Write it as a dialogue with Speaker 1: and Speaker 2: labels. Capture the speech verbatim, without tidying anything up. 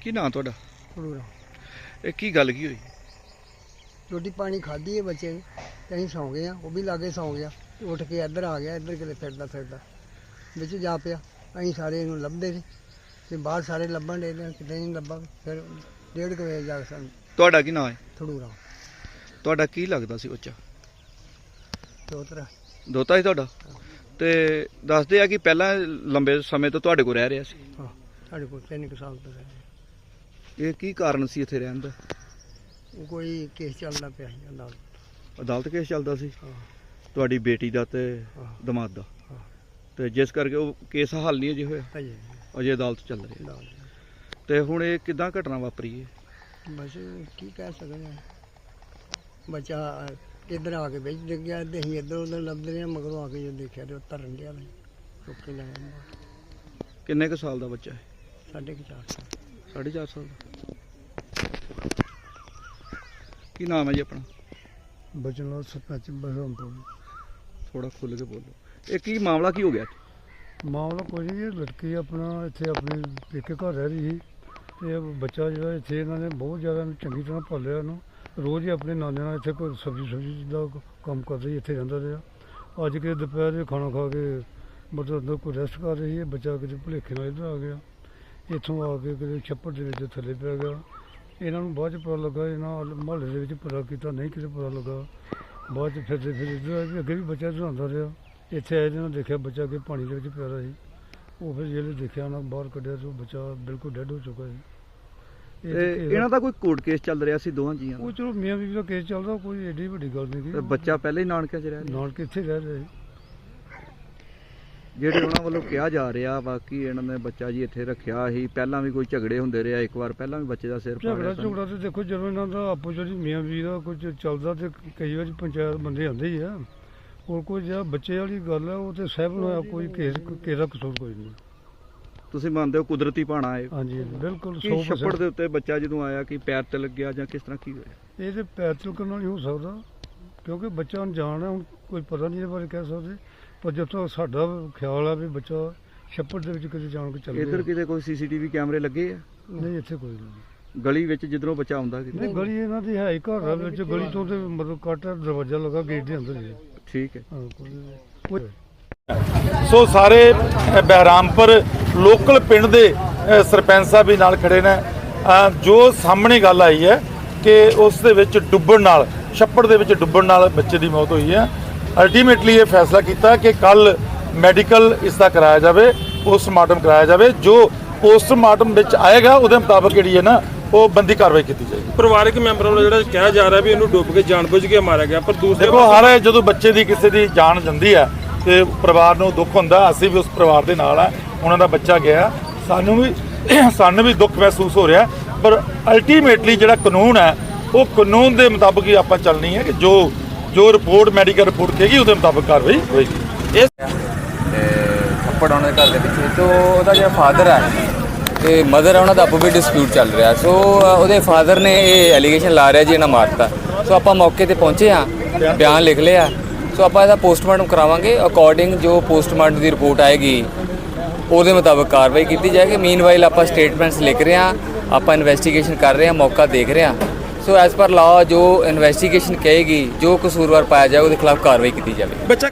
Speaker 1: की नाम तुहाडा?
Speaker 2: खड़ूरा
Speaker 1: ਇਹ ਕੀ ਗੱਲ ਕੀ ਹੋਈ?
Speaker 2: रोटी पानी खाधी है बच्चे ने ते असीं सौ गए हैं, वो भी लागे सौ गया ते उठ के इधर आ गया, इधर किते फिरदा फिरदा बिच जा पिया। असीं सारे इहनूं लभदे ने ते बाहर सारे लभण डे ने, किते नहीं लभा। फिर डेढ़ कु बजे जा के सानूं
Speaker 1: ਤੁਹਾਡਾ ਕੀ ਨਾਮ ਹੈ?
Speaker 2: खड़ूरा
Speaker 1: ਤੁਹਾਡਾ ਕੀ ਲੱਗਦਾ ਸੀ ਬੱਚਾ?
Speaker 2: चौधरा
Speaker 1: ਦੋਤਾ ਸੀ ਤੁਹਾਡਾ? ਤੇ ਦੱਸਦੇ ਆ ਕਿ ਪਹਿਲਾਂ ਲੰਬੇ ਸਮੇਂ ਤੋਂ ਤੁਹਾਡੇ ਕੋਲ ਰਹਿ ਰਿਹਾ ਸੀ।
Speaker 2: हाँ साढ़े को तीन कुछ साल तो रहे।
Speaker 1: ਇਹ ਕੀ ਕਾਰਨ ਸੀ ਇੱਥੇ ਰਹਿਣ ਦਾ?
Speaker 2: वो कोई केस चलता पिया ਸੀ अदालत।
Speaker 1: ਅਦਾਲਤ ਕੇਸ ਚੱਲਦਾ ਸੀ
Speaker 2: हाँ
Speaker 1: ਤੁਹਾਡੀ ਬੇਟੀ ਦਾ ਤੇ
Speaker 2: हाँ
Speaker 1: ਦਮਾਦ ਦਾ,
Speaker 2: हाँ
Speaker 1: ਤੇ ਜਿਸ ਕਰਕੇ ਉਹ ਕੇਸ ਹੱਲ ਨਹੀਂ ਅਜੇ ਹੋਇਆ,
Speaker 2: अजे
Speaker 1: ਅਜੇ ਅਦਾਲਤ ਚੱਲ ਰਹੀ ਹੈ।
Speaker 2: अदालत
Speaker 1: ਤੇ ਹੁਣ ਇਹ ਕਿੱਦਾਂ ਘਟਨਾ ਵਾਪਰੀ ਹੈ?
Speaker 2: बस की कह सकते हैं। बच्चा इधर आके बिच डिग गया ते असीं इधर उधर लभदे रहे, मगरों आके जो देखा तो तरन दिया चुक के ले आए।
Speaker 1: ਕਿੰਨੇ ਕੁ ਸਾਲ ਦਾ ਬੱਚਾ ਹੈ?
Speaker 2: साढ़े के चार साल
Speaker 1: ਸਾਢੇ ਚਾਰ ਸਾਲ ਦਾ। ਕੀ ਨਾਮ ਹੈ ਜੀ ਆਪਣਾ?
Speaker 2: बचन लाल सरपंच बसरामपुर।
Speaker 1: ਥੋੜਾ ਖੁੱਲ ਕੇ ਬੋਲੋ। ਇਹ ਕੀ ਮਾਮਲਾ ਕੀ ਹੋ ਗਿਆ?
Speaker 2: मामला कोई नहीं, ये लड़की अपना इतने अपने पेके घर रह रही थी। ਤੇ ਬੱਚਾ ਜਿਹੜਾ ਇੱਥੇ ਇਹਨਾਂ ਨੇ ਬਹੁਤ ਜ਼ਿਆਦਾ ਇਹਨੂੰ ਚੰਗੀ ਤਰ੍ਹਾਂ ਪਾਲਿਆ। ਇਹਨੂੰ ਰੋਜ਼ ਹੀ ਆਪਣੇ ਨਾਨੇ ਨਾਲ ਇੱਥੇ ਕੋਈ ਸਬਜ਼ੀ ਸਬਜ਼ੀ ਦਾ ਕੰਮ ਕਰਦਾ ਸੀ, ਇੱਥੇ ਰਹਿੰਦਾ ਰਿਹਾ। ਅੱਜ ਕਿ ਦੁਪਹਿਰ ਦੇ ਖਾਣਾ ਖਾ ਕੇ ਮਤਲਬ ਅੰਦਰ ਕੋਈ ਰੈਸਟ ਕਰ ਰਹੀ ਹੈ। ਬੱਚਾ ਕਿਤੇ ਭੁਲੇਖੇ ਨਾਲ ਇੱਧਰ ਆ ਗਿਆ, ਇੱਥੋਂ ਆ ਕੇ ਕਿਤੇ ਛੱਪੜ ਦੇ ਵਿੱਚ ਥੱਲੇ ਪੈ ਗਿਆ। ਇਹਨਾਂ ਨੂੰ ਬਾਅਦ 'ਚ ਪਤਾ ਲੱਗਾ, ਇਹਨਾਂ ਮੁਹੱਲੇ ਦੇ ਵਿੱਚ ਪਤਾ ਕੀਤਾ, ਨਹੀਂ ਕਿਤੇ ਪਤਾ ਲੱਗਾ। ਬਾਅਦ 'ਚ ਫਿਰਦੇ ਫਿਰ ਇੱਧਰ ਆਏ, ਅੱਗੇ ਵੀ ਬੱਚਾ ਇੱਧਰ ਆਉਂਦਾ ਰਿਹਾ। ਇੱਥੇ ਆਏ ਇਹਨਾਂ ਦੇਖਿਆ ਬੱਚਾ ਕਿ ਪਾਣੀ ਦੇ ਵਿੱਚ ਪਿਆ ਰਿਹਾ ਸੀ। ਉਹ ਫਿਰ ਜਿਹੜੇ ਦੇਖਿਆ ਉਹਨਾਂ ਬਾਹਰ ਕੱਢਿਆ ਤਾਂ ਬੱਚਾ ਬਿਲਕੁਲ ਡੈਡ ਹੋ ਚੁੱਕਾ ਸੀ।
Speaker 1: ਤੇ ਇਹਨਾਂ ਦਾ ਕੋਈ ਕੋਰਟ ਕੇਸ ਚੱਲ ਰਿਹਾ ਸੀ ਦੋਹਾਂ ਜੀਆਂ
Speaker 2: ਉਹ
Speaker 1: ਦਾ?
Speaker 2: ਚਲੋ ਮੀਆਂ ਬੀਵੀ ਦਾ ਕੇਸ ਚੱਲਦਾ, ਕੋਈ ਏਡੀ ਵੱਡੀ ਗੱਲ ਨਹੀਂ
Speaker 1: ਤੇ
Speaker 2: ਗੀ।
Speaker 1: ਬੱਚਾ ਪਹਿਲਾਂ ਹੀ ਨਾਨਕਿਆਂ 'ਚ ਰਹਿ ਰਿਹਾ?
Speaker 2: ਨਾਲ ਕਿੱਥੇ ਰਹਿ ਰਹੇ ਸੀ।
Speaker 1: ਜਿਹੜੇ ਉਹਨਾਂ ਵੱਲੋਂ ਕਿਹਾ ਜਾ ਰਿਹਾ ਬਾਕੀ ਇਹਨਾਂ ਨੇ ਬੱਚਾ ਜੀ ਇੱਥੇ ਰੱਖਿਆ ਸੀ, ਪਹਿਲਾਂ ਵੀ ਕੋਈ ਝਗੜੇ ਹੁੰਦੇ ਰਿਹਾ, ਇੱਕ ਵਾਰ ਪਹਿਲਾਂ ਵੀ ਬੱਚੇ ਦਾ ਸਿਰ
Speaker 2: ਝਗੜਾ
Speaker 1: ਪਾੜਿਆ ਸੀ।
Speaker 2: ਝਗੜਾ ਤੇ ਦੇਖੋ ਜਦੋਂ ਇਹਨਾਂ ਦਾ ਆਪੋ ਜਿਹੜੀ ਮੀਆਂ ਬੀਵੀ ਦਾ ਕੁਝ ਚੱਲਦਾ ਤੇ ਕਈ ਵਾਰੀ ਪੰਚਾਇਤ ਬੰਦੇ ਆਉਂਦੇ ਹੀ ਆ। ਹੋਰ ਕੋਈ ਜਿਹੜਾ ਬੱਚੇ ਵਾਲੀ ਗੱਲ ਹੈ ਉਹ ਤੇ ਸਹਿਬ ਹੋਇਆ, ਕੋਈ ਕੇਸ ਕਿਸੇ ਦਾ ਕਸੂਰ ਕੋਈ ਨਹੀਂ।
Speaker 1: ਤੁਸੀਂ ਮੰਨਦੇ ਹੋ ਕੁਦਰਤੀ ਪਾਣਾ ਹੈ?
Speaker 2: ਹਾਂਜੀ ਬਿਲਕੁਲ
Speaker 1: ਕੀ
Speaker 2: ਸੌ
Speaker 1: ਛੱਪੜ
Speaker 2: percent।
Speaker 1: ਦੇ ਉੱਤੇ ਬੱਚਾ ਜਦੋਂ ਆਇਆ ਕਿ ਪੈਰ ਤੇ ਲੱਗਿਆ ਜਾਂ ਕਿਸ ਤਰ੍ਹਾਂ ਕੀ ਹੋਇਆ?
Speaker 2: ਇਹ ਤੇ ਪੈਰ ਤਿਲਕਣ ਨਾਲ ਨਹੀਂ ਹੋ ਸਕਦਾ, ਕਿਉਂਕਿ ਬੱਚਾ ਅਣਜਾਣ ਹੈ। ਹੁਣ ਕੋਈ ਪਤਾ ਨਹੀਂ ਇਹਦੇ ਬਾਰੇ ਕਹਿ ਸਕਦੇ, ਪਰ ਜਦੋਂ ਸਾਡਾ ਖਿਆਲ ਆ ਵੀ ਬੱਚਾ ਛੱਪੜ ਦੇ ਵਿੱਚ ਕਿਤੇ ਜਾਣ ਕੇ ਚੱਲ
Speaker 1: ਇੱਧਰ
Speaker 2: ਗਿਆ।
Speaker 1: ਕਿਤੇ ਕੋਈ ਸੀਸੀਟੀਵੀ ਕੈਮਰੇ ਲੱਗੇ ਆ?
Speaker 2: ਨਹੀਂ ਇੱਥੇ ਕੋਈ ਨਹੀਂ।
Speaker 1: ਗਲੀ ਵਿੱਚ ਜਿੱਧਰੋਂ ਬੱਚਾ ਆਉਂਦਾ ਕਿਤੇ?
Speaker 2: ਨਹੀਂ ਗਲੀ ਇਹਨਾਂ ਦੀ ਹੈ ਹੀ ਘਰ ਆ ਵਿੱਚ, ਗਲੀ ਤੋਂ ਤੇ ਮਤਲਬ ਕੱਟ ਦਰਵਾਜ਼ਾ ਲੱਗਾ ਗੇਟ ਦੇ ਅੰਦਰ ਹੀ ਹੈ।
Speaker 1: ਠੀਕ ਹੈ।
Speaker 2: ਹਾਂ ਕੋਈ ਕੋਈ
Speaker 3: ਸੋ ਸਾਰੇ ਅ, ਬਹਿਰਾਮਪੁਰ ਲੋਕਲ ਪਿੰਡ ਦੇ ਅ, ਸਰਪੰਚ ਸਾਹਿਬ ਵੀ ਨਾਲ ਖੜੇ ਨੇ। ਅ, ਜੋ ਸਾਹਮਣੇ ਗੱਲ ਆਈ ਹੈ ਕਿ ਉਸ ਦੇ ਵਿੱਚ ਡੁੱਬਣ ਨਾਲ, ਛੱਪੜ ਦੇ ਵਿੱਚ ਡੁੱਬਣ ਨਾਲ ਬੱਚੇ ਦੀ ਮੌਤ ਹੋਈ ਹੈ। ਅਲਟੀਮੇਟਲੀ ਇਹ ਫੈਸਲਾ ਕੀਤਾ ਕਿ ਕੱਲ ਮੈਡੀਕਲ ਇਸ ਦਾ ਕਰਾਇਆ ਜਾਵੇ, ਪੋਸਟਮਾਰਟਮ ਕਰਾਇਆ ਜਾਵੇ। ਜੋ ਪੋਸਟਮਾਰਟਮ ਵਿੱਚ ਆਏਗਾ ਉਹਦੇ ਮੁਤਾਬਕ ਜਿਹੜੀ ਹੈ ਨਾ ਉਹ ਬੰਦੀ ਕਾਰਵਾਈ ਕੀਤੀ ਜਾਏਗੀ।
Speaker 4: ਪਰਿਵਾਰਕ ਮੈਂਬਰਾਂ ਵੱਲੋਂ ਜਿਹੜਾ ਕਿਹਾ ਜਾ ਰਿਹਾ ਵੀ ਇਹਨੂੰ ਡੁੱਬ ਕੇ ਜਾਣਬੁੱਝ ਕੇ ਮਾਰਿਆ ਗਿਆ, ਪਰ ਦੂਸਰੇ
Speaker 3: ਦੇਖੋ ਹਰ ਜਦੋਂ ਬੱਚੇ ਦੀ ਕਿਸੇ ਦੀ ਜਾਨ ਜਾਂਦੀ ਹੈ ਤੇ ਪਰਿਵਾਰ ਨੂੰ ਦੁੱਖ ਹੁੰਦਾ। ਅਸੀਂ ਵੀ ਉਸ ਪਰਿਵਾਰ ਦੇ ਨਾਲ ਆ, ਉਹਨਾਂ ਦਾ ਬੱਚਾ ਗਿਆ, ਸਾਨੂੰ ਵੀ ਸਾਨੂੰ ਵੀ ਦੁੱਖ ਮਹਿਸੂਸ ਹੋ ਰਿਹਾ। ਪਰ ਅਲਟੀਮੇਟਲੀ ਜਿਹੜਾ ਕਾਨੂੰਨ ਹੈ ਉਹ ਕਾਨੂੰਨ ਦੇ ਮੁਤਾਬਕ ਹੀ ਆਪਾਂ ਚੱਲਣੀ ਹੈ ਕਿ ਜੋ ਜੋ ਰਿਪੋਰਟ ਮੈਡੀਕਲ ਰਿਪੋਰਟ ਕਹੇਗੀ ਉਹਦੇ ਮੁਤਾਬਕ ਕਾਰਵਾਈ ਹੋਏਗੀ। ਇਹ
Speaker 5: ਤੇ ਥੱਪੜ ਉਹਨਾਂ ਦੇ ਘਰ ਦੇ ਪਿੱਛੇ ਤੋਂ ਉਹਦਾ ਜਿਹੜਾ ਫਾਦਰ ਹੈ ਤੇ ਮਦਰ ਹੈ ਉਹਨਾਂ ਦਾ ਆਪੋ ਵੀ ਡਿਸਪਿਊਟ ਚੱਲ ਰਿਹਾ। ਸੋ ਉਹਦੇ ਫਾਦਰ ਨੇ ਇਹ ਐਲੀਗੇਸ਼ਨ ਲਾ ਰਿਹਾ ਜੀ ਇਹਨਾਂ ਮਾਰਤਾ। ਸੋ ਆਪਾਂ ਮੌਕੇ ਤੇ ਪਹੁੰਚੇ ਹਾਂ, ਬਿਆਨ ਲਿਖ ਲਿਆ। ਸੋ ਆਪਾਂ ਇਹਦਾ ਪੋਸਟਮਾਰਟਮ ਕਰਾਵਾਂਗੇ, ਅਕੋਰਡਿੰਗ ਜੋ ਪੋਸਟਮਾਰਟਮ ਦੀ ਰਿਪੋਰਟ ਆਏਗੀ ਉਹਦੇ ਮੁਤਾਬਕ ਕਾਰਵਾਈ ਕੀਤੀ ਜਾਏਗੀ। ਮੀਨਵਾਈਲ ਆਪਾਂ ਸਟੇਟਮੈਂਟਸ ਲਿਖ ਰਹੇ ਹਾਂ, ਆਪਾਂ ਇਨਵੈਸਟੀਗੇਸ਼ਨ ਕਰ ਰਹੇ ਹਾਂ, ਮੌਕਾ ਦੇਖ ਰਹੇ ਹਾਂ। ਸੋ ਐਜ਼ ਪਰ ਲਾਅ ਜੋ ਇਨਵੈਸਟੀਗੇਸ਼ਨ ਕਹੇਗੀ, ਜੋ ਕਸੂਰਵਾਰ ਪਾਇਆ ਜਾਏ ਉਹਦੇ ਖਿਲਾਫ ਕਾਰਵਾਈ ਕੀਤੀ ਜਾਵੇ।
Speaker 4: ਬੱਚਾ